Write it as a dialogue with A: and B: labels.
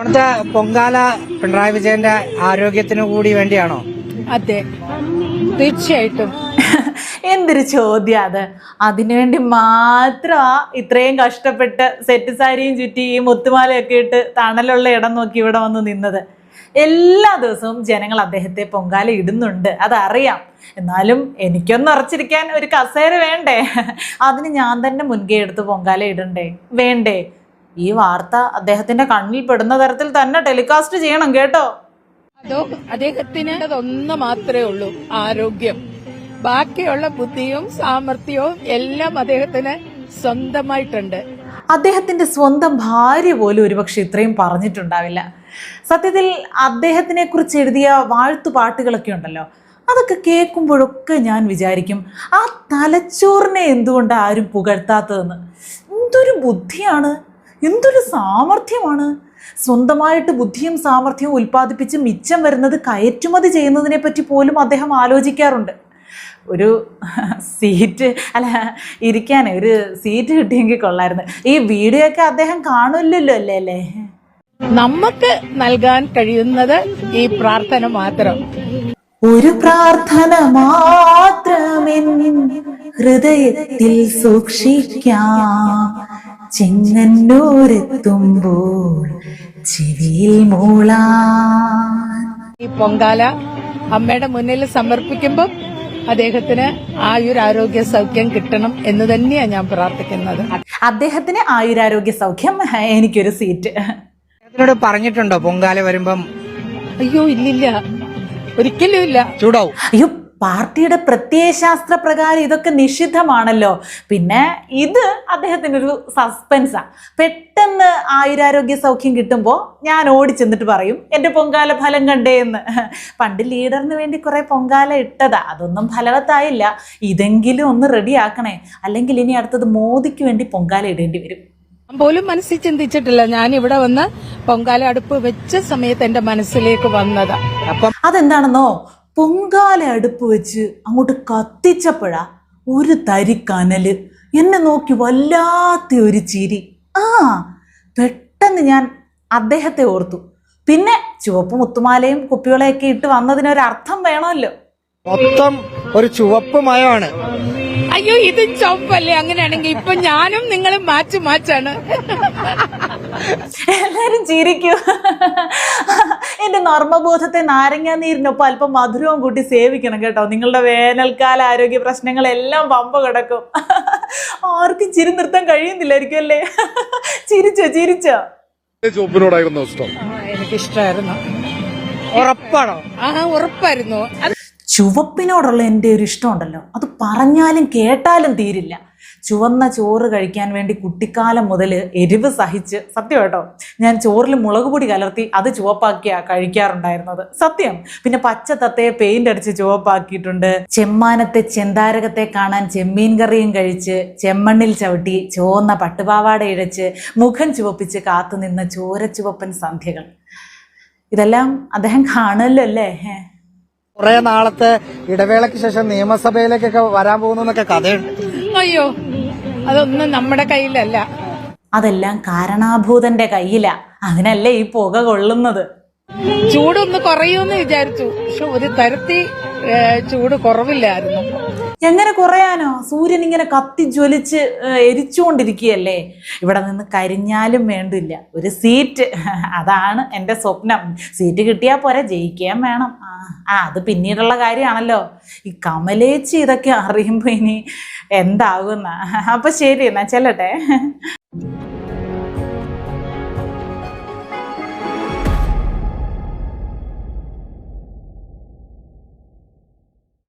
A: ഇവിടുത്തെ പൊങ്കാല പിണറായി വിജയന്റെ ആരോഗ്യത്തിനു കൂടി വേണ്ടിയാണോ?
B: അതെ, തീർച്ചയായിട്ടും.
C: എന്തൊരു ചോദ്യം അത്. അതിനുവേണ്ടി മാത്രമാ ഇത്രയും കഷ്ടപ്പെട്ട് സെറ്റ് സാരിയും ചുറ്റി ഈ മുത്തുമാലയൊക്കെ ഇട്ട് തണലുള്ള ഇടം നോക്കി ഇവിടെ വന്ന് നിന്നത്. എല്ലാ ദിവസവും ജനങ്ങൾ അദ്ദേഹത്തെ പൊങ്കാല ഇടുന്നുണ്ട്, അതറിയാം. എന്നാലും എനിക്കൊന്ന് ഉറച്ചിരിക്കാൻ ഒരു കസേര വേണ്ടേ? അതിന് ഞാൻ തന്നെ മുൻകൈ എടുത്ത് പൊങ്കാല ഇടണ്ടേ വേണ്ടേ? ഈ വാർത്ത അദ്ദേഹത്തിന്റെ കണ്ണിൽ പെടുന്ന തരത്തിൽ തന്നെ ടെലികാസ്റ്റ് ചെയ്യണം കേട്ടോ.
B: അതോ അദ്ദേഹത്തിന് അതൊന്നു മാത്രമേ ഉള്ളൂ, ആരോഗ്യം. ബാക്കിയുള്ള ബുദ്ധിയും സാമർഥ്യവും എല്ലാം അദ്ദേഹത്തിന് സ്വന്തമായിട്ടുണ്ട്.
C: അദ്ദേഹത്തിന്റെ സ്വന്തം ഭാര്യ പോലും ഒരുപക്ഷെ ഇത്രയും പറഞ്ഞിട്ടുണ്ടാവില്ല. സത്യത്തിൽ അദ്ദേഹത്തിനെ കുറിച്ച് എഴുതിയ വാഴ്ത്തുപാട്ടുകളൊക്കെ ഉണ്ടല്ലോ, അതൊക്കെ കേൾക്കുമ്പോഴൊക്കെ ഞാൻ വിചാരിക്കും, ആ തലച്ചോറിനെ എന്തുകൊണ്ട് ആരും പുകഴ്ത്താത്തതെന്ന്. എന്തൊരു ബുദ്ധിയാണ്, എന്തൊരു സാമർഥ്യമാണ്. സ്വന്തമായിട്ട് ബുദ്ധിയും സാമർഥ്യവും ഉൽപ്പാദിപ്പിച്ച് മിച്ചം വരുന്നത് കയറ്റുമതി ചെയ്യുന്നതിനെ പറ്റി പോലും അദ്ദേഹം ആലോചിക്കാറുണ്ട്. ഒരു സീറ്റ് ഇരിക്കാനേ ഒരു സീറ്റ് കിട്ടിയെങ്കിൽ കൊള്ളായിരുന്നു. ഈ വീഡിയോ ഒക്കെ അദ്ദേഹം കാണില്ലല്ലോ അല്ലേ?
B: നമുക്ക് നൽകാൻ കഴിയുന്നത് ഈ പ്രാർത്ഥന മാത്രം.
C: ഒരു പ്രാർത്ഥന മാത്രമെൻ ഹൃദയത്തിൽ സൂക്ഷിക്കാം, ചെങ്ങന്നൂരെത്തുമ്പോൾ ചെവിയിൽ മൂളാൻ.
B: ഈ പൊങ്കാല അമ്മയുടെ മുന്നിൽ സമർപ്പിക്കുമ്പോൾ അദ്ദേഹത്തിന് ആയുരാരോഗ്യ സൗഖ്യം കിട്ടണം എന്ന് തന്നെയാണ് ഞാൻ പ്രാർത്ഥിക്കുന്നത്.
C: അദ്ദേഹത്തിന് ആയുരാരോഗ്യ സൗഖ്യം, എനിക്കൊരു സീറ്റ്.
A: ഇതിനോട് പറഞ്ഞിട്ടുണ്ടോ പൊങ്കാല വരുമ്പം?
B: അയ്യോ ഇല്ലില്ല, ഒരിക്കലും ഇല്ല.
A: ചൂടാവും.
C: അയ്യോ, പാർട്ടിയുടെ പ്രത്യയശാസ്ത്ര പ്രകാരം ഇതൊക്കെ നിഷിദ്ധമാണല്ലോ. പിന്നെ ഇത് അദ്ദേഹത്തിനൊരു സസ്പെൻസാ. പെട്ടെന്ന് ആയുരാരോഗ്യ സൗഖ്യം കിട്ടുമ്പോൾ ഞാൻ ഓടിച്ചെന്നിട്ട് പറയും എൻ്റെ പൊങ്കാല ഫലം കണ്ടേ എന്ന്. പണ്ട് ലീഡറിന് വേണ്ടി കുറെ പൊങ്കാല ഇട്ടതാ, അതൊന്നും ഫലവത്തായില്ല. ഇതെങ്കിലും ഒന്ന് റെഡിയാക്കണേ, അല്ലെങ്കിൽ ഇനി അടുത്തത് മോദിക്ക് വേണ്ടി പൊങ്കാല ഇടേണ്ടി വരും.
B: പോലും മനസ്സിൽ ചിന്തിച്ചിട്ടില്ല. ഞാൻ ഇവിടെ വന്ന് പൊങ്കാല അടുപ്പ് വെച്ച സമയത്ത് എന്റെ മനസ്സിലേക്ക് വന്നതാ.
C: അതെന്താണെന്നോ, പൊങ്കാല അടുപ്പ് വെച്ച് അങ്ങോട്ട് കത്തിച്ചപ്പോഴാ ഒരു തരി കനല് എന്നെ നോക്കി വല്ലാത്ത ഒരു ചിരി. പെട്ടെന്ന് ഞാൻ അദ്ദേഹത്തെ ഓർത്തു. പിന്നെ ചുവപ്പ് മുത്തുമാലയും കുപ്പികളെയൊക്കെ ഇട്ട് വന്നതിനൊരർത്ഥം വേണമല്ലോ.
A: മൊത്തം ഒരു ചുവപ്പ് മയമാണ്.
B: അയ്യോ, ഇത് ചുവപ്പല്ലേ? അങ്ങനെയാണെങ്കിൽ ഇപ്പൊ ഞാനും നിങ്ങളും മാച്ചാണ്.
C: എല്ലാരും ചിരിക്കൂ. എന്റെ നർമ്മബോധത്തെ നാരങ്ങ നീരിനൊപ്പം അല്പം മധുരവും കൂട്ടി സേവിക്കണം കേട്ടോ. നിങ്ങളുടെ വേനൽക്കാല ആരോഗ്യ പ്രശ്നങ്ങളെല്ലാം പമ്പ കിടക്കും. ആർക്കും ചിരി നിർത്താൻ കഴിയുന്നില്ലായിരിക്കും അല്ലേ? ചിരിച്ചോ?
D: ചുവപ്പിനോടായിരുന്നു ഇഷ്ടം.
B: എനിക്കിഷ്ടമായിരുന്നു.
A: ഉറപ്പാണോ?
B: ഉറപ്പായിരുന്നു.
C: ചുവപ്പിനോടുള്ള എൻ്റെ ഒരു ഇഷ്ടമുണ്ടല്ലോ, അത് പറഞ്ഞാലും കേട്ടാലും തീരില്ല. ചുവന്ന ചോറ് കഴിക്കാൻ വേണ്ടി കുട്ടിക്കാലം മുതൽ എരിവ് സഹിച്ച്, സത്യം കേട്ടോ, ഞാൻ ചോറിൽ മുളക് പൊടി കലർത്തി അത് ചുവപ്പാക്കിയാ കഴിക്കാറുണ്ടായിരുന്നത്, സത്യം. പിന്നെ പച്ച തത്തയെ പെയിന്റ് അടിച്ച് ചുവപ്പാക്കിയിട്ടുണ്ട്. ചെമ്മാനത്തെ ചെന്താരകത്തെ കാണാൻ ചെമ്മീൻ കറിയും കഴിച്ച്, ചെമ്മണ്ണിൽ ചവിട്ടി ചുവന്ന പട്ടുപാവാട ഇഴച്ച്, മുഖം ചുവപ്പിച്ച് കാത്തുനിന്ന ചോരച്ചുവപ്പൻ സന്ധ്യകൾ. ഇതെല്ലാം അദ്ദേഹം കാണുമല്ലോ അല്ലേ?
A: കുറെ നാളത്തെ ഇടവേളയ്ക്ക് ശേഷം നിയമസഭയിലേക്കൊക്കെ വരാൻ പോകുന്നൊക്കെ കഥയുണ്ട്.
B: അയ്യോ, അതൊന്നും നമ്മുടെ കയ്യിലല്ല.
C: അതെല്ലാം കാരണാഭൂതന്റെ കയ്യിലാ. അതിനല്ലേ ഈ പുക കൊള്ളുന്നത്.
B: ചൂടൊന്ന് കുറയുമെന്ന് വിചാരിച്ചു, പക്ഷെ ഒരു തരത്തിൽ ചൂട് കുറവില്ലായിരുന്നു.
C: എങ്ങനെ കുറയാനോ? സൂര്യൻ ഇങ്ങനെ കത്തി ജ്വലിച്ച് എരിച്ചുകൊണ്ടിരിക്കുകയല്ലേ. ഇവിടെ നിന്ന് കരിഞ്ഞാലും വേണ്ടില്ല ഒരു സീറ്റ്. അതാണ് എൻ്റെ സ്വപ്നം. സീറ്റ് കിട്ടിയാൽ പോരാ, ജയിക്കാൻ വേണം. അത് പിന്നീടുള്ള കാര്യമാണല്ലോ. ഈ കമലേച്ചി ഇതൊക്കെ അറിയുമ്പോൾ ഇനി എന്താകുന്ന. അപ്പൊ ശരി, എന്നാ ചെല്ലട്ടെ.